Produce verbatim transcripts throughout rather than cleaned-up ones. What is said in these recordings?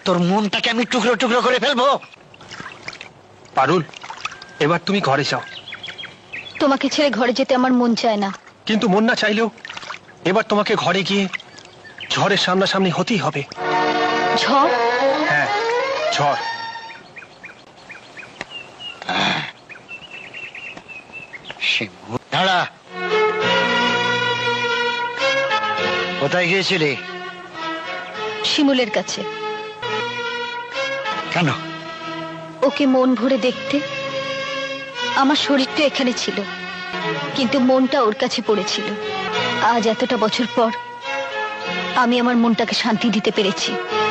তোর মনটাকে আমি টুকরো টুকরো করে ফেলবো। পারুল, এবার তুমি ঘরে যাও। তোমাকে ছেড়ে ঘরে যেতে আমার মন চায় না। কিন্তু মন না চাইলেও এবার তোমাকে ঘরে গিয়ে ঝড়ের সামনাসামনি হতেই হবে। ঝড়? হ্যাঁ, ঝড়। দাঁড়া, কোথায় গিয়েছিলি? শিমুলের কাছে। কেন? ওকে মন ভরে দেখতে। আমার শরীরটা এখানে ছিল, কিন্তু মনটা ওর কাছে পড়েছিল। আজ এতটা বছর পর আমি আমার মনটাকে শান্তি দিতে পেরেছি।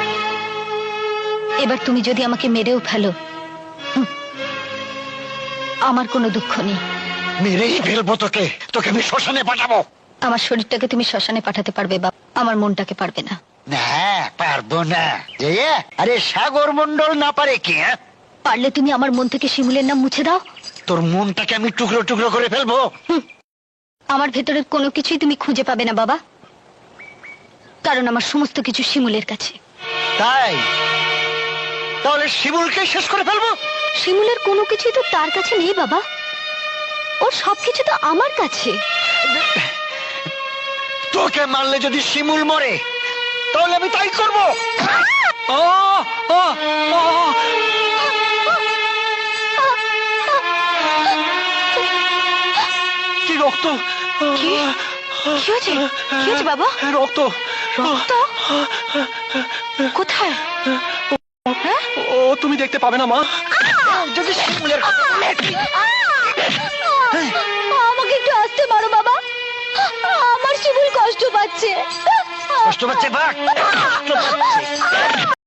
এবার তুমি যদি আমাকে মেরেও ফেলো, হুম, আমার কোনো দুঃখ নেই। মেরেই ফেলবো তোকে, তোকে আমি শ্মশানে পাঠাবো। আমার শরীরটাকে তুমি শ্মশানে পাঠাতে পারবে বাবা, আমার মনটাকে পারবে না। না, পারবো না। আরে সাগর মন্ডল না পারে কি? পারলে তুমি আমার মন থেকে শিমুলের নাম মুছে দাও। তোর মনটাকে আমি টুকরো টুকরো করে ফেলবো। আমার ভেতরের কোনো কিছুই তুমি খুঁজে পাবে না বাবা, কারণ আমার সমস্ত কিছু শিমুলের কাছে। তাই তাহলে শিমুলকে শেষ করে ফেলবো? শিমুলের কোনো কিছুই তো তার কাছে নেই বাবা, ওর সবকিছু তো আমার কাছে। তোকে মারলে যদি শিমুল মরে, তাহলে আমি তাই করবো। কি রক্ত! কি হয়েছে? কি হয়েছে বাবা? রক্ত! রক্ত? কোথায়? হ্যাঁ? ও তুমি দেখতে পাবে না মা। যদি শিমুলের কথা বলে। আমাকে একটু আসতে মারো বাবা, আমার শিমুল কষ্ট পাচ্ছে। কষ্ট পাচ্ছে? বাঘ কষ্ট পাচ্ছে।